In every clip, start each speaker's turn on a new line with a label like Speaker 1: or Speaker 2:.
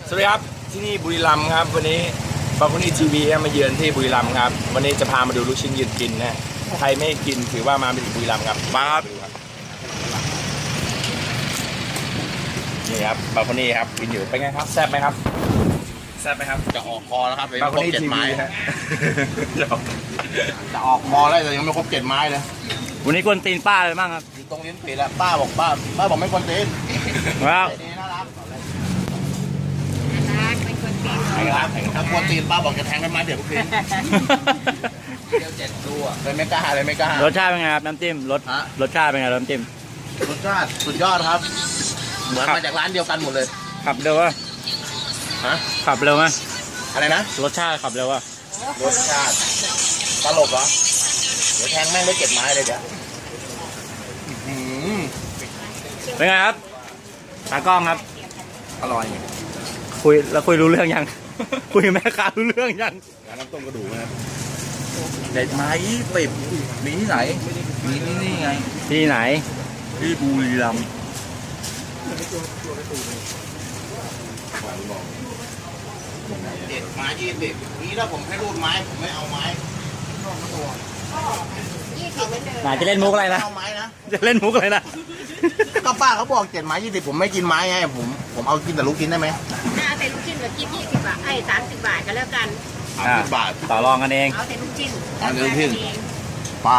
Speaker 1: สวัสดีครับที่นี่บุรีรัมย์ครับวันนี้บางคนนี่ทีวีมาเยือนที่บุรีรัมย์ครับวันนี้จะพามาดูลูกชิ้นยืนกินนะใครไม่กินถือว่ามาไม่ถึงบุรีรัมย์ครับมาครับนี่ครับบางคนนี่ครับกินอยู่เป็นไงครับแซ่บไหมครับแซ่บไหมครับ
Speaker 2: จะออกคอแล้วครับ
Speaker 1: บางคนนี่ทีวีฮะ
Speaker 2: จะออกคอแล้วแต่ยังไม่ครบ7 ไม้เลย
Speaker 3: วันนี้กวนตีนป้าเลยบ้างครับ
Speaker 2: อยู่ตรงลิ้นปีแล้วป้าบอกไม่ควรตีน
Speaker 3: ว้าว
Speaker 2: น่ารัก
Speaker 4: เป็นคนตีน
Speaker 2: ถ้ากวนตีนป้าบอกจะแทงไปไม้เดี๋ยวทุกทีเดี๋ยว7 ตัวเลยไม่กล้าร
Speaker 3: สชาติเป็นไงครับน้ำจิ้มรสชาติเป็นไงน้ำจิ้ม
Speaker 2: รสชาติสุดยอดครับเหมือนมาจากร้านเดียวกันหมดเลย
Speaker 3: ขับเร็ววะ
Speaker 2: ฮะ
Speaker 3: ขับเร็วไหม
Speaker 2: อะไรนะ
Speaker 3: รสชาติขับเร็ววะ
Speaker 2: รสชาติตลกเหรอเดี๋ยวแทงแม่งได้7 ไม้เลยเดี๋ยว
Speaker 3: เป็นไงครับตากล้องครับ
Speaker 2: อร่อย
Speaker 3: คุยรู้เรื่องยัง คุยกับแม่ค้ารู้เรื่องยัง
Speaker 2: น้ำต้มกระดูกนะครับ7 ไม้20มีที่ไหนมีนี่ไง
Speaker 3: ที่ไหน
Speaker 2: ที่บุรีรัมย์7 ไม้ 20นี่ถ้าผมให้รูดไม้ผมไม่เอาไม้
Speaker 3: ไหนจะเล่นมุกอะไรนะ
Speaker 2: เอาไม้นะ
Speaker 3: จะเล่นมุกอะไรนะ
Speaker 2: ก็ป้าเขาบอก7 ไม้ 20ผมไม่กินไม้ไงผมเอากินแต่ลูกชิ้นได้ไหม
Speaker 4: เอาแต่ลูกชิ้นเหลือกิน20 บาท30 บาทก็แล้วกัน
Speaker 2: 30 บาท
Speaker 3: ต่อรองกันเอง
Speaker 4: เอาแต่ลูกชิ้น
Speaker 2: เอาแต่ลูกชิ้น ป้า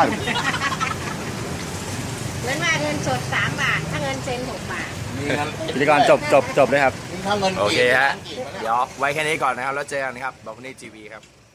Speaker 4: เงินว่าเงินสด3 บาทถ้าเงินเซ็น6 บาท
Speaker 3: พิธีกรจบเลยครับ
Speaker 2: ถ้าเงิน
Speaker 1: โอเคฮะเดี๋ยวไว้แค่นี้ก่อนนะครับแล้วเจอกันครับบางคนนี่ทีวีครับ